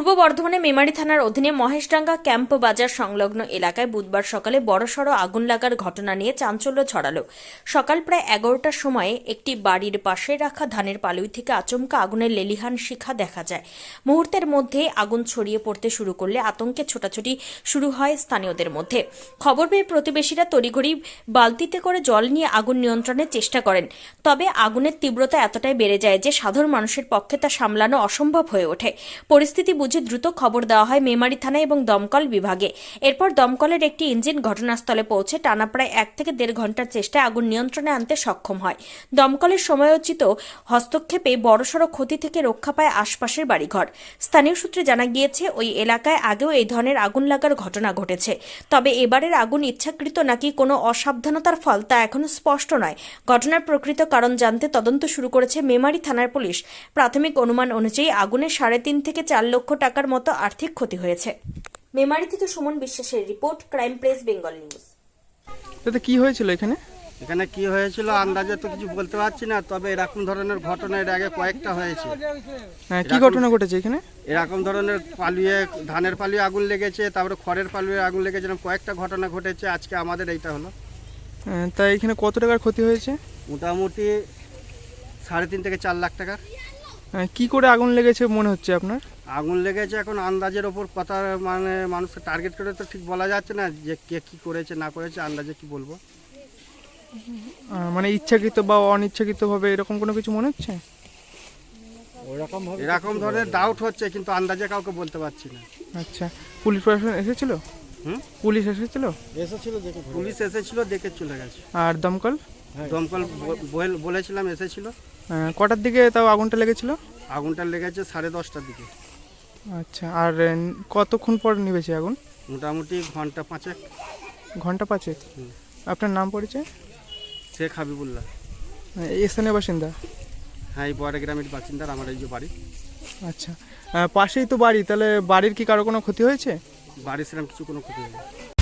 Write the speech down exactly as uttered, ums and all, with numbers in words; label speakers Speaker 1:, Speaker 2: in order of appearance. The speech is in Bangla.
Speaker 1: পূর্ব বর্ধমানে মেমারি থানার অধীনে মহেশডাঙ্গা ক্যাম্প বাজার সংলগ্ন এলাকায় বুধবার সকালে বড়সড় আগুন লাগার ঘটনা নিয়ে চাঞ্চল্য ছড়ালো। সকাল প্রায় এগারোটার সময়ে একটি বাড়ির পাশে রাখা ধানের পালুই থেকে আচমকা আগুনের লেলিহান শিখা দেখা যায়। মুহূর্তের মধ্যে আগুন ছড়িয়ে পড়তে শুরু করলে আতঙ্কে ছোটাছুটি শুরু হয় স্থানীয়দের মধ্যে। খবর পেয়ে প্রতিবেশীরা তড়িঘড়ি বালতিতে করে জল নিয়ে আগুন নিয়ন্ত্রণের চেষ্টা করেন। তবে আগুনের তীব্রতা এতটাই বেড়ে যায় যে সাধারণ মানুষের পক্ষে তা সামলানো অসম্ভব হয়ে ওঠে। পরিস্থিতি বুঝে দ্রুত খবর দেওয়া হয় মেমারি থানায় এবং দমকল বিভাগে। এরপর দমকলের একটি ইঞ্জিন ঘটনাস্থলে পৌঁছে টানা প্রায় এক থেকে দেড় ঘন্টার চেষ্টায় আগুন নিয়ন্ত্রণে আনতে সক্ষম হয়। দমকলের সময়োচিত হস্তক্ষেপে বড়সড় ক্ষতি থেকে রক্ষা পায় আশপাশের বাড়িঘর। স্থানীয় সূত্রে জানা গিয়েছে, ওই এলাকায় আগেও এই ধরনের আগুন লাগার ঘটনা ঘটেছে। তবে এবারের আগুন ইচ্ছাকৃত নাকি কোনো অসাবধানতার ফল তা এখনো স্পষ্ট নয়। ঘটনার প্রকৃত কারণ জানতে তদন্ত শুরু করেছে মেমারি থানার পুলিশ। প্রাথমিক অনুমান অনুযায়ী আগুনে সাড়ে তিন থেকে চার লক্ষ টাকার মতো আর্থিক ক্ষতি হয়েছে। মেমারি থেকে সুমন বিশ্বাসের report, crime press Bengal news.
Speaker 2: তাতে কি হয়েছিল এখানে?
Speaker 3: এখানে কি হয়েছিল আন্দাজে তো কিছু বলতে পারছি না, তবে এরকম ধরনের ঘটনা এর আগে কয়েকটা হয়েছে।
Speaker 2: হ্যাঁ, কি ঘটনা ঘটেছে এখানে?
Speaker 3: এরকম ধরনের পালুয়ে ধানের পালুয়ে আগুন লেগেছে, তারপরে খড়ের পালুয়ে আগুন লেগেছে, এরকম কয়েকটা ঘটনা ঘটেছে। আজকে আমাদের এইটা হলো।
Speaker 2: হ্যাঁ, তা এখানে কত টাকার ক্ষতি হয়েছে?
Speaker 3: মোটামুটি সাড়ে তিন থেকে চার লাখ টাকার।
Speaker 2: হ্যাঁ, কি করে আগুন লেগেছে মনে হচ্ছে আপনার?
Speaker 3: আগুন লেগেছে এখন আন্দাজের ওপর কথা, মানে মানুষকে টার্গেট করে তো ঠিক বলা যাচ্ছে না যে কে কি করেছে না করেছে, আন্দাজে কি বলবো।
Speaker 2: আহ, মানে ইচ্ছাকৃত বা অনিচ্ছাকৃতভাবে এরকম কোনো কিছু মনে হচ্ছে?
Speaker 3: এরকম ধরনের ডাউট হচ্ছে, কিন্তু আন্দাজে কাউকে বলতে পারছি না।
Speaker 2: আচ্ছা, পুলিশ প্রশাসন এসেছিল?
Speaker 3: হুম,
Speaker 2: পুলিশ এসেছিল?
Speaker 3: পুলিশ এসেছিল, দেখে চলে গেছে।
Speaker 2: আর দমকল?
Speaker 3: দমকল ব- বল- বলেছিলাম এসেছিল।
Speaker 2: আহ, কটার দিকে তাও আগুনটা লেগেছিল?
Speaker 3: আগুনটা লেগেছে সাড়ে দশটার দিকে।
Speaker 2: আচ্ছা, আর আহ, কতক্ষণ পর নিভেছে আগুন?
Speaker 3: মোটামুটি ঘন্টা পাঁচেক।
Speaker 2: ঘন্টা পাঁচেক?
Speaker 3: হুম।
Speaker 2: আপনার নাম পরিচয়?
Speaker 3: শেখ হাবিবুল্লাহ।
Speaker 2: আহ, এই স্থানীয় বাসিন্দা?
Speaker 3: হ্যাঁ, এই বড় গ্রামের বাসিন্দার আমার এই যে বাড়ি।
Speaker 2: আচ্ছা, আহ, পাশেই তো বাড়ি, তাহলে বাড়ির কি কারো কোনো ক্ষতি হয়েছে?
Speaker 3: বাড়ির সেরকম কিছু কোনো ক্ষতি হয়নি।